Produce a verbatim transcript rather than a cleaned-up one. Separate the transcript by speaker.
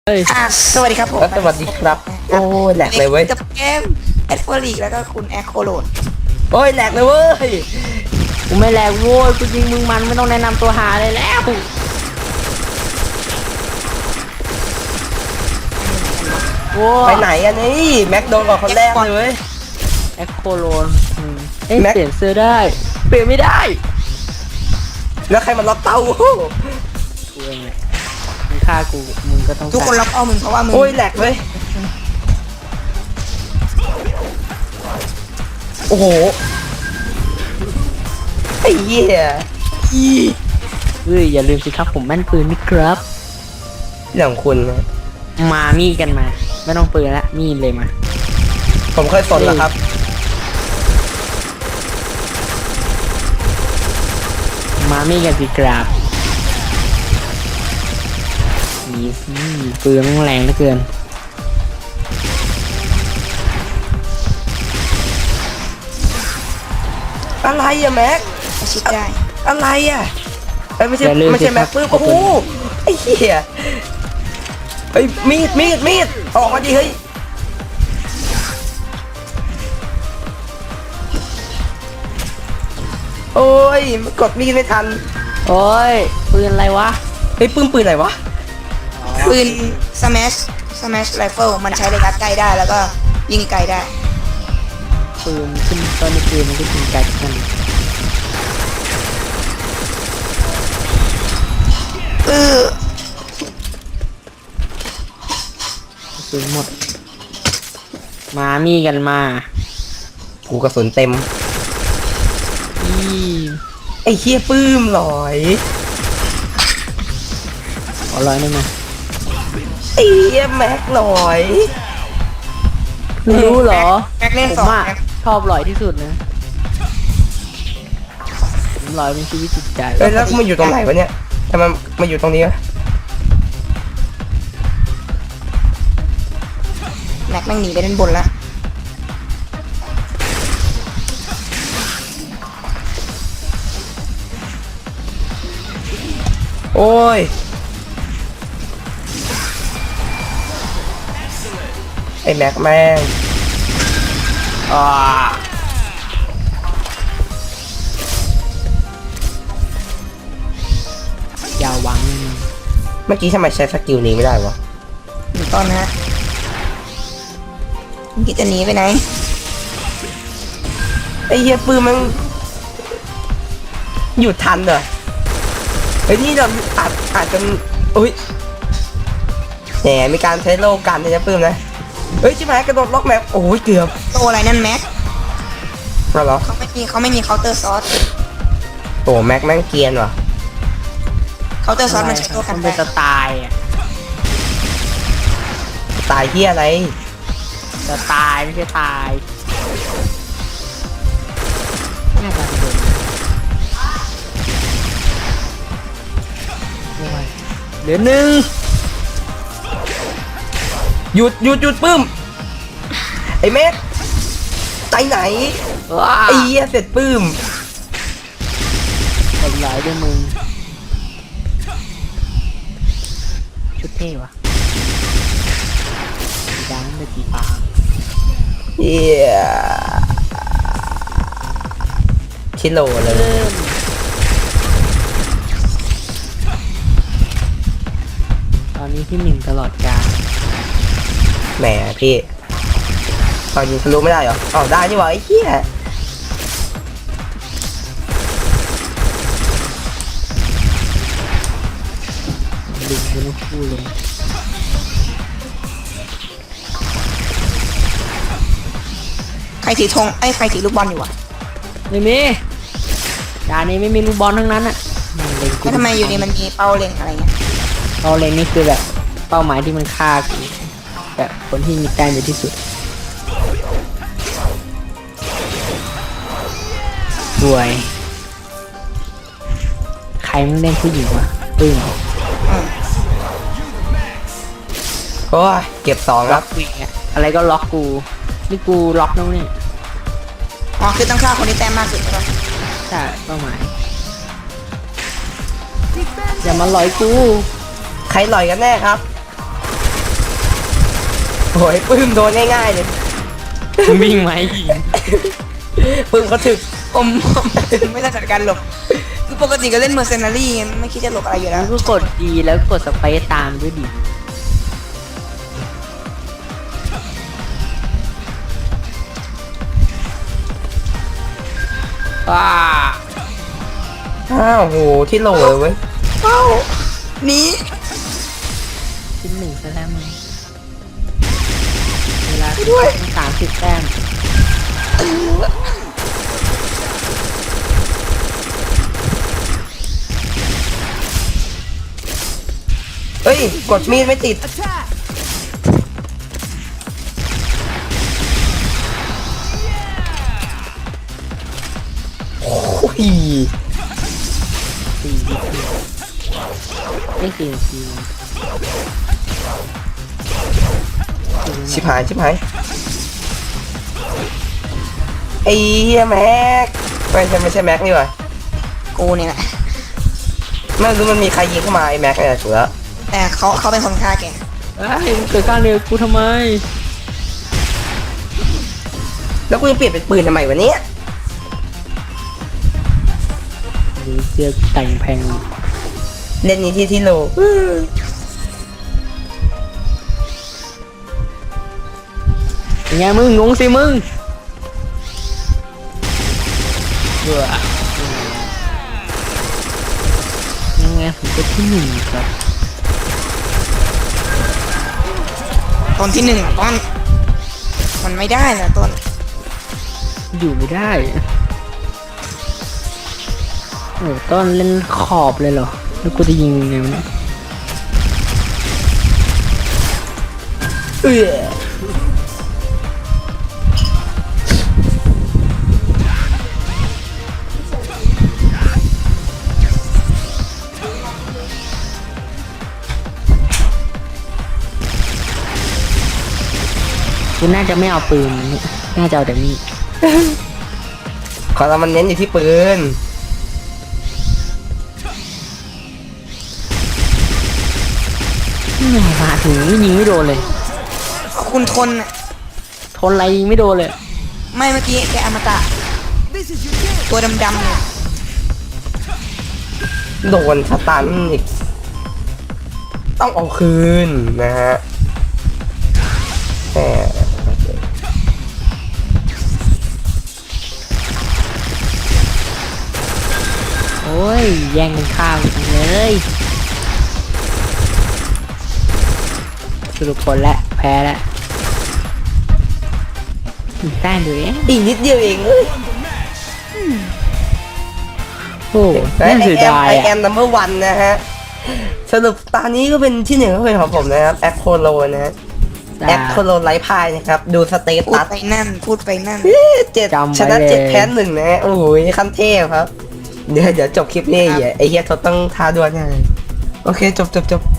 Speaker 1: เฮ้ย
Speaker 2: อ่ะสวัสดีครับผม
Speaker 3: สวัสดีครับโอ้ยแหลกเลยเว้ย
Speaker 2: กับเกมแอดฟอรีแล้วก็คุณแอคโคโลน
Speaker 3: โอ้ยแหลกเลยเว้ย
Speaker 1: กูไม่แรงโว้ยกูยิงมึงมันไม่ต้องแนะนำตัวหาเลยแล้วโว้
Speaker 3: ไป
Speaker 1: ย
Speaker 3: ไหนอันนี้แม็กโดนก่อนคนแรกเลยเว้ย
Speaker 1: แอคโคโลนอืมเอ้ย
Speaker 3: แม็ก
Speaker 1: เปลี่ยนเสื้อได้เปลี่ยนไม่ได้
Speaker 3: แล้วใครมาล็อกเต้า
Speaker 1: กูเองแหละมึงฆ่ากูมึงก็ต้อง
Speaker 2: ทุกคนล็อกเอามึงเพราะว่ามึง
Speaker 3: โอ้ยแหลกเลยโอ้โหไอ้เหี้ย
Speaker 1: เฮ้ยอย่าลืมสิครับผมแม่นปืนนี่ครับ
Speaker 3: เรื่องของคุณนะ
Speaker 1: มามีดกันมาไม่ต้องปืนละมีดเลยมา
Speaker 3: ผมเคยสนแล้วครับ
Speaker 1: มามีดกันสิครับนี่สิปืนมันแรงเหลือเกิน
Speaker 3: อะไรอะแม็ก
Speaker 2: อาชิดได้
Speaker 3: อะไรอะเอ้ยไม่ใช่ไม่ใช่แม็กปื้มโอ้โหไอ้เหี้ยเฮ้ยมีดมีดมีดออกมาดิเฮ้ยโอ้ยกดมีดไม่ทัน
Speaker 1: โอ้ยปืนอะไรวะ
Speaker 3: เฮ้ยปื้มปืนอะไรวะ
Speaker 2: ปืนสแมชสแมชไรเฟิลมันใช้ระยะใกล้ได้แล้วก็ยิงไกลได้
Speaker 1: ปืนขึ้นตอนในปืนมันก็ยิงไกลกัน
Speaker 2: เออ
Speaker 1: ปืนหมด มามีกันมา
Speaker 3: กูกระสุนเต็ม
Speaker 1: อี
Speaker 3: ไอ้เฮียปื้มหลอย
Speaker 1: ขอร้อยได้ไหม
Speaker 3: ไอ้เฮียแม็กหลอย
Speaker 1: รู้เหรอ
Speaker 2: แม็กเล่น
Speaker 1: ผ
Speaker 2: สอ
Speaker 1: ม
Speaker 2: ง
Speaker 1: อะ
Speaker 2: แม็ก
Speaker 1: ชอบลอยที่สุดนะผมลอยเป็นชีวิตจิตใจ
Speaker 3: เอ้ยแล้วมันอยู่ตรงไหนวะเนี่ยทำไมมาอยู่ตรงนี้วะ
Speaker 2: แม็กแม่งหนีไปด้านบนละ
Speaker 3: โอ้ยไอ้แม็กแม่ง
Speaker 1: อ่าอย่าหวัง
Speaker 3: เมื่อกี้ทำไมใช้สกิลนี้ไม่ได้วะ
Speaker 2: อยู่ต้นนะฮะมึงคิดจะหนีไปไหน
Speaker 3: ไอ้เฮียปื้มมันหยุดทันเหรอไอ้ยนี่เราอาจอาจจะอุ้ยแหมมีการใช้โลกันนะปื้มนะเฮ้ยชิบหายกระโดดล็อกแม็กโอ้ยเกือบ
Speaker 2: โตอะไรนั่นแม็ก
Speaker 3: มาเหรอ
Speaker 2: เขาไม่มีเขาไม่มีเคาน์เตอร์ซอส
Speaker 3: โอ้แม็กแม่งเกรียนว่ะ
Speaker 2: เคาน์เตอร์ซอสมันใช้ตัวกัน
Speaker 1: มัน
Speaker 2: ได้
Speaker 1: เป็นสไตล์อะ
Speaker 3: ตายเฮียอะไร
Speaker 1: สไตล์ไม่ใช่ตายน่าจะโดนโอ้ยเหลือหนึ่ง
Speaker 3: หยุดหยุดหยุดปื้มไอ้แม็กไปไหน
Speaker 1: ว้า
Speaker 3: ไอ้เหี้ยเสร็จปื้ม
Speaker 1: ทำร้ายด้วยมึงชุดเท่วะสีดำเป็นสีฟ้า
Speaker 3: เหี้ยชิโลเลย
Speaker 1: เริ่มตอนนี้ที่หนึ่งตลอดกาล
Speaker 3: แหมพี่ตอนยิงทะลุไม่ได้เหรออ๋อได้นี่หว่าไอ้เหี้ย
Speaker 1: ดึงเป็นคู่เลย
Speaker 2: ใครถือธงไอ้ยใครถือลูกบอลอยู่วะ
Speaker 1: ไม่มีจานนี้ไม่มีลูกบอลทั้งนั้นอ่ะไม่เล็งกู
Speaker 2: แล้วทำไมอยู่ดีมันมีเป้าเล็งอะไรเงี้ย
Speaker 1: เอาเล็งนี่คือแบบเป้าหมายที่มันฆ่ากูแบบคนที่มีแต้มเยอะที่สุดสวยใครมึงเล่นผู้หญิงวะปึ้ง
Speaker 2: อืม
Speaker 3: โอ้ยเก็บสอง
Speaker 1: ล็
Speaker 3: แล้
Speaker 1: อ
Speaker 3: ว
Speaker 1: กวิ่งอะอะไรก็ล็อกกูนี่กูล็อกน้องนี่
Speaker 2: อ๋อคือต้องฆ่าคนที่แต้มมากสุดใช่ปะ
Speaker 1: ใช่เป้าหมายอย่ามาหลอยกู
Speaker 3: ใครหล่อยกันแน่ครับโอ้ยปื้มโดนง่ายๆเลย
Speaker 1: วิ่งไหมาให้ยิง
Speaker 3: ปื้มเขาถึก
Speaker 2: ผมผมไม่ได้จัดการหลบคือปกติก็เล่นเมอร์เซนารี่ไม่คิดจะหลบอะไรอยู่แล้ว
Speaker 1: ก็กดดีแล้วกดสเปซตามด้วยดิว้า
Speaker 3: อ้าวโหที่โหลเลยเว้ย
Speaker 2: เอ้าหนี
Speaker 1: ชิ้นหนึ่งซะแล้วมึงเวลาสามสิบแต้ม
Speaker 3: เอ้ยกดมีดไม่ติดโอ้ย
Speaker 1: สี่สิบไม่สี่นาที
Speaker 3: ชิบหายชิบหายไอ้เหี้ยแม็กไม่ใช่ไม่ใช่แม็กนี่หว่า
Speaker 2: กูเนี่ยแหละ
Speaker 3: ไม่รู้มันมีใครยิงเข้ามาไอ้แม็กเนี่ยถูกแล้ว
Speaker 2: แต่เขาเขาเป็นคนฆ่าแก
Speaker 1: เอ้ยมึงเกิดการเร็วกูทำไม
Speaker 3: แล้วกูจะเปลี่ยนเป็นปืนทำไมวะเนี่ย
Speaker 1: หรือเสื้อแต่งแพง
Speaker 3: เล่นนี้ที่ที่โล
Speaker 1: ยังไงมึงงงสิมึงเบื่อยังไงผมก็ที่หนึ่งครับ
Speaker 2: ตอนที่หนึ่งต้นมันไม่ได้นะต้น
Speaker 1: อยู่ไม่ได้โอ้ต้นเล่นขอบเลยเหรอแล้วกูจะยิงยังไงวะเนี่ย
Speaker 3: เอ้ย
Speaker 1: กูน่าจะไม่เอาปืนนะเนี่ยน่าจะเอาแต่มีด
Speaker 3: ขอเรามันเน้นอยู่ที่ปืน
Speaker 1: แหม่มาถึงยิงไม่โดนเลย
Speaker 2: คุณทนน่ะ
Speaker 1: ทนอะไรยิงไม่โดนเลย
Speaker 2: ไม่เมื่อกี้แกอมตะตัวดำๆเนี่ย
Speaker 3: โดนสตันอีกต้องเอาคืนนะฮะแต่
Speaker 1: โอ้ยแย่งกันข้าวจังเลยสรุปผลแล้วแพ้แล้วอีกแต้มเดียวเอง
Speaker 3: อีกนิดเดียวเองเอ้ย
Speaker 1: โอ้น่าเสียดาย
Speaker 3: ไอแอ
Speaker 1: อ่ะ
Speaker 3: มนัมเบอร์วันนะฮะสรุปตอนนี้ก็เป็นที่หนึ่งก็เป็นของผมนะครับแอคโคโลนะฮะแอคโคโลไลฟ์พายนะครับดูสเต
Speaker 2: พูด
Speaker 3: ตัส
Speaker 2: ไปนั่นพูดไปนั่น
Speaker 3: เจ็ดชนะเจ็ดแพ้หนึ่งนะฮะโอ้โหขั้นเทพครับ เดี๋ยวเดี๋ยวจบคลิปนี้
Speaker 2: ครับ
Speaker 3: ไอ้เฮียทศต้องท้าดวลแน่เลยโอเคจบจบจบ